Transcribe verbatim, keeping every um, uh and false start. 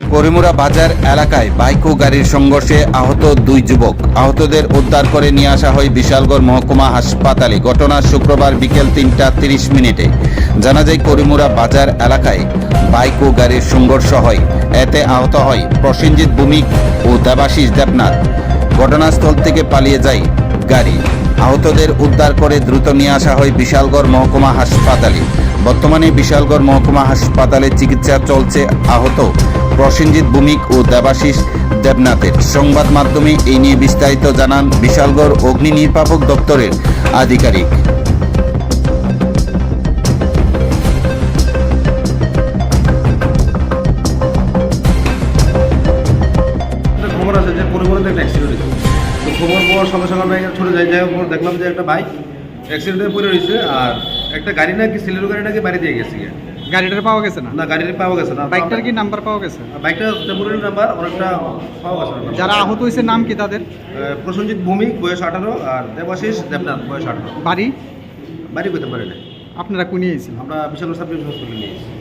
করিমুরা বাজার এলাকায় বাইক ও গাড়ির সংঘর্ষে আহত দুই যুবক। আহতদের উদ্ধার করে নিয়ে আসা হয় বিশালগড় মহকুমা হাসপাতালে। ঘটনা শুক্রবার বিকেল তিনটা তিরিশ মিনিটে। জানা যায় করিমুরা বাজার এলাকায় বাইক ও গাড়ির সংঘর্ষ হয়। এতে আহত হয় প্রসেনজিৎ ভৌমিক ও দেবাশিস দেবনাথ। ঘটনাস্থল থেকে পালিয়ে যায় গাড়ি। আহতদের উদ্ধার করে দ্রুত নিয়ে আসা হয় বিশালগড় মহকুমা হাসপাতালে। বর্তমানে বিশালগড় মহকুমা হাসপাতালে চিকিৎসা চলছে আহত প্রসেনজিৎ ভৌমিক ও দেবাশিস দেবনাথের। সংবাদ মাধ্যমে এই নিয়ে বিস্তারিত জানান বিশালগড় অগ্নি নির্বাপক দপ্তরের আধিকারিক। খবর আছে যে পরিবহনে একটা অ্যাক্সিডেন্ট হয়েছে, তো খবর পাওয়ার সঙ্গে সঙ্গে আমরা এখানে ছুটে যাই। যাই হোক দেখলাম যে একটা বাইক অ্যাক্সিডেন্টে পড়ে রয়েছে, আর একটা গাড়ি নাকি সিলেরো গাড়ি নাকি বাড়ি দিয়ে গেছে। গাড়িটার পাওয়া গেছে না? না, গাড়িটা পাওয়া গেছে না। বাইকটার কি নাম্বার পাওয়া গেছে? বাইকটা টেম্পোরারি নাম্বার, অনেকটা পাওয়া গেছে না। যারা আহত হয়েছে নাম কি তাদের? প্রসেনজিৎ ভৌমিক বয়স আঠারো আর দেবাশিস দেবনাথ বয়স আঠারো। বাড়ি বাড়ি পেতে পারে না। আপনারা কোন নিয়েছেন? আমরা বিশাল সাব ডিভিশন হসপিটালে নিয়েছি।